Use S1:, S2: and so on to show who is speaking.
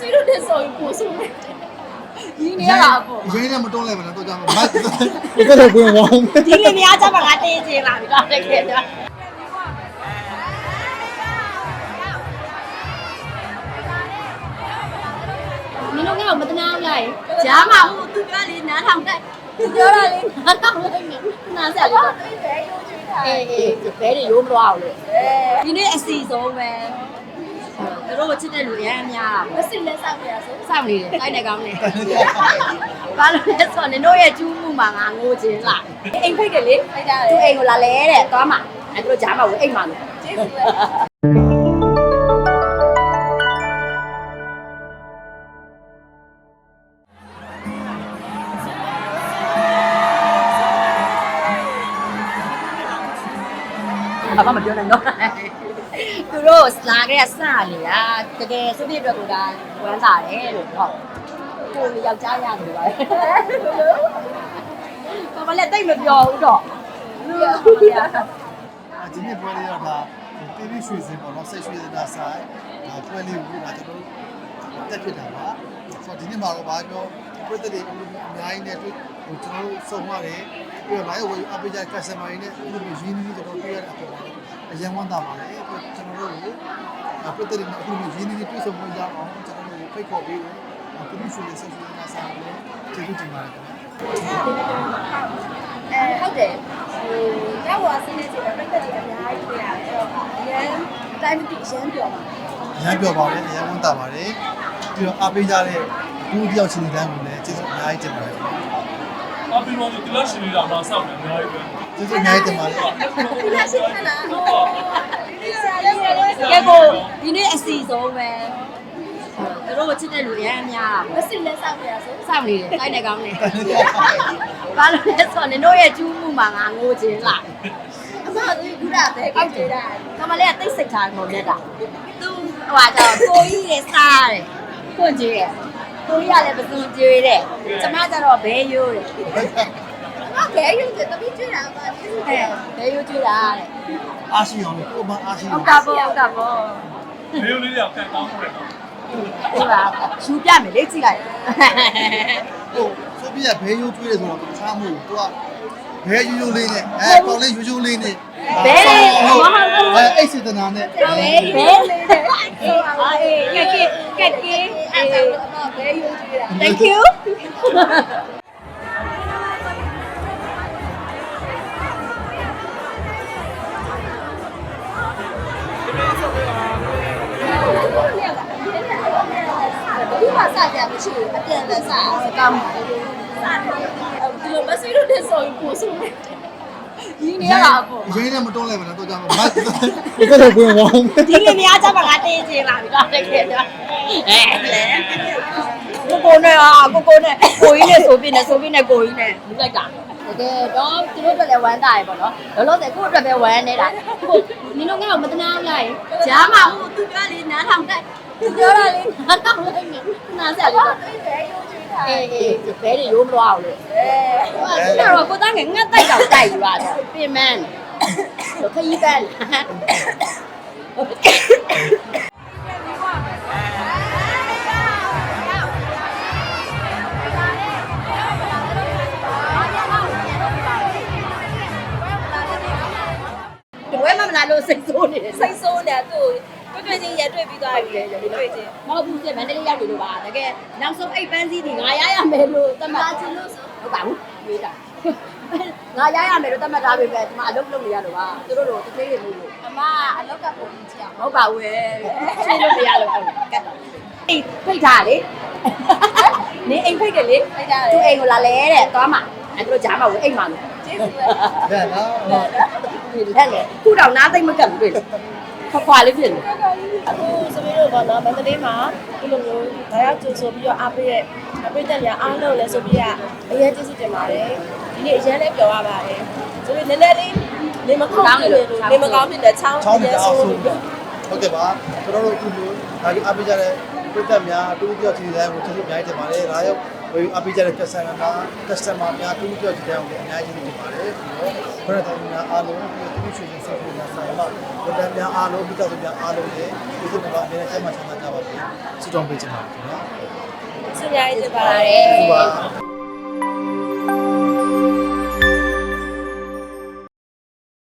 S1: ဆွေးတို့နဲ့ဆိုရင်ပို့ဆိုတယ်ဒီနေရတာပေါ့
S2: ရင်းနဲ့မတွန်းလိုက်မလားတော့ကြောင်မတ်တော့ဝင်ဝေါင်း
S1: ဒီလေများကြမှာငါတင်းချင်းလာပြီတော့တကယ်တော့မင်းတို့ကတော့မတနာဘူးလားဂျားမဟုတ်သူပြောလေနားထောင်တက်သူပြောတာလေနားထောင်လိုက်နေနားဆက်လေတော့အေးဘဲတွေရိုးမလို့အောင်လို့ဒီနေ့အစီဆုံးပဲသူတို့ချစ်တဲ့လူရမ်းများတာမစစ်လက်ဆောက်ပြရဆိုစောင့်နေတယ်တိုက်နေကောင်းနေဘာလို့လဲဆိုတော့နင်တို့ရဲ့ကျူးမှုမှာငါငိုခြင်းလားအိမ်ဖိတ်တယ်လေဖိတ်တာလေသူအိမ်ကိုလာလဲတဲ့သွားမှာအဲသူတို့ဂျားမှာကိုအိမ်မှာလို့ကျေးဇူးပဲဘာမှမပြောနိုင်တော့သူတို့လာခဲ့စလေอ่ะတကယ်စုပြည့်အတွက်ကိုဒါဝမ်းသာတယ်လို့ဟုတ်ကိုယောက်ျားရတယ်ပါဘာမှလည်းတိတ်မပြောဘူးတော့
S2: ဒီနေ့ပွဲလေးတော့ဒါတီဗီရွှေစင်ပေါ့နော်ဆက်ရွှေစင်ဒါဆိုင်ပွဲလေးကိုဒါကျွန်တော်တက်ဖြစ်တာပါဆိုတော့ဒီနေ့မှာတော့ဘာပြောပြည်သက်တွေအများကြီးနဲ့တွေ့ကျွန်တော်တို့စုံရတယ်ပြီးတော့ live ဝယ်အပေးကြ customer တွေနဲ့ဒီလိုရင်းနှီးကျွန်တော်တွေ့ရတဲ့အပေါ်မှာအရင်ဝမ်းသာပါတယ်ကျွန်တော်တို့ပြည်သက်တွေနဲ့အခုလိုရင်းနှီးတွေ့ဆုံခွင့်ရအောင်ကျွန်တော်တို့ဖိတ်ခေါ်ပေးတယ်ပြည်သူ့ရွှေဆက်ရွှေစင်ဒါဆိုင်ကိုကျေးဇူးတင်ပါတယ်
S1: ဟုတ်တယ်ရောက်သွားစင်းနေချင်တယ်ပြိတ္တတွေအများကြီးတွေ့ရတယ်အဲ့တော့အရင်အတိုင်းမသိအရင်ပြောပါ
S2: အရင်ပြောပါတယ်အရင်ဝန်တာပါတယ်ပြီးတော့အားပေးကြတဲ့ဘူးတယောက်ချင်းတိုင်းကိုလည်းကျေးဇူးအများကြီးတင်ပါတယ်
S3: အားပေးလို့ဒီလောက်ရှင်နေတာမှစောင့်နေအများကြီးပဲ
S2: ကျေးဇူးအများကြီးတင်ပါတယ်
S1: ဒီလားရှိခလားကဲကိုဒီနေ့အစီဆုံးပဲသူတို့ချစ်တဲ့လူရမ်းများမစစ်လက်ဆောက်ပြရဆိုစောင့်နေတယ်တိုက်နေကောင်းနေဘာလို့လဲဆိုတော့နင်တို့ရဲ့ကျူးမှုမှာငါငိုခြင်းလားအမသူကဘဲကိုကြည့်တာကမလေးကတိတ်စိတ်ထားကုန်နေတာသူဟိုကတော့ကိုကြီးရဲ့စားတယ်ကိုကြီးရဲ့ကိုကြီးကလည်းပစုံကျွေးတယ်ကျမကျတော့ဘဲရိုးတယ်ဘဲရိုးတယ်တပည့်ကျွေးတာပါဘဲရိုးကျွေးတာတဲ့
S2: အားရှိအောင်ကိုမအားရှိ
S1: ဟုတ်တာပေါ့ဟုတ်တာပေါ့
S3: ဘေးလေးတွေကကန်ကောင်းတယ်နော်
S1: ဟုတ်လားယူပြမယ်လေကြည့်လိုက်
S2: ဟိုဆိုပြီးဘဲရိုးကျွေးတယ်ဆိုတော့တခြားမဟုတ်ဘူးသူကဘဲရိုးလေးနဲ့ပေါင်လေးရိုးလေးနဲ့
S1: ဘဲ
S2: အဲ့စေတနာနဲ့
S1: ဘဲလေးနဲ့အေးကဲဘဲရိုးကျွေးတာ Thank youဒီမှာစကြမရှိဘူးအပြန်လည်းစကောင်းဒီလိုမဆွေးလို့တဲ့ဆိုရင်ပို့ဆိုတယ်ဒီနေရတာပေါ့
S2: ရင်းနဲ့မတွန်းလိုက်မလားတော့ကြောင်မတ်တော့ဝင်ဝေါင်း
S1: ဒီလေများကြမှာငါတင်းချင်းလာပြီတော့တကယ်တော့ကိုနဲ့ကိုနဲ့ကိုကြီးနဲ့ဆိုပြနေကိုကြီးနဲ့လူလိုက်တာတကယ်တော့သူတို့အတွက်လည်းဝမ်းသာရပေါ့နော်လောလောဆယ်ကိုယ့်အတွက်ပဲဝမ်းနေတာကိုနင်တို့ကတော့မတနာဘူးလားဂျားမဟုတ်သူပြောလေနားထောင်တက်သူပြောတာလေနားထောင်လိုက်နေနားဆက်လေတော့အေးဘဲတွေရိုးမလို့အောင်လို့အဲ့တော့ကိုသားငယ်ငတ်တိုက်တော့တိုက်ယူပါတယ်ပြင်မန်းတော့ခရီးပန်းဝဲမလာလို့စိတ်ဆိုးနေတယ်စိတ်ဆိုးနေတာသူ့တွေ့ချင်းရတွေ့ပြီးသွားပြီလေတွေ့ချင်းမဟုတ်ဘူးမန္တလေးရောက်နေလို့ပါတကယ်နောက်ဆုံးအိတ်ပန်းစည်းတွေငါရရမယ်လို့တတ်မှတ်ချင်လို့ဆိုဟုတ်ပါဘူးမေးတာငါရရမယ်လို့တတ်မှတ်ထားပြီပဲဒီမှာအလုပ်လုပ်နေရလို့ပါသူတို့တို့တစ်သေးတွေလို့အမအလုပ်ကပုံကြည့်အောင်ဟုတ်ပါဘူးရှင်းလို့မရလို့ကတ်တော့အိတ်ဖိတ်ထားလေနင်းအိမ်ဖိတ်တယ်လေဖိတ်ထားတယ်သူအိမ်ကိုလာလဲတဲ့သွားမှာအဲသူတို့ဂျားမှာကိုအိမ်မှာလို့ကျေးဇူးပဲ
S2: လက်နော်
S1: လက်လေခုတော့နားသိမ့်မကပ်ဘူးတွေ့ခွာလေးဖြစ်နေ
S4: အခုစပီးတို့ကတော့မန္တလေးမှာဒီလိုမျိုးဒါရောက်ကြိုဆိုပြီးတော့အားပေးတဲ့ပြည့်တဲ့နေရာအားလုံးလည်းဆိုပြီးကအရင်ကျေးဇူးတင်ပါတယ်ဒီနေ့အရင်လည်းပြောရပါတယ်ဆိုပြီးနည်းနည်းလေးနေမကောင်းဖြစ်တဲ့ချောင်း
S2: ရဲ့ဆိုဟုတ်ကဲ့ပါကျွန်တော်တို့အခုလိုဒါကြီးအားပေးကြတဲ့ပြည်သက်များတူတူချင်းတိုင်းကိုကျေးဇူးအများကြီးတင်ပါတယ်ဒါရောက်ဝယ်အားပေးကြတဲ့ customer များတူတူချင်းတိုင်းကိုအများကြီးတင်ပါတယ်ပြီးတော့ဘရတဲ့များအားလုံးဒီရွှေရှင်ဆက်ပြီးများဆိုင်မှာပြည်သက်များအားလုံးပြည်သက်များအားလုံးရဲ့ကျေးဇူးတင်ပါအကယ်ကျမ်းမာချမ်းသာကြပါစေဆုတောင်းပေးချင်ပါတယ်ခင်ဗျာ
S4: ဆုများရေးကြပါရစေ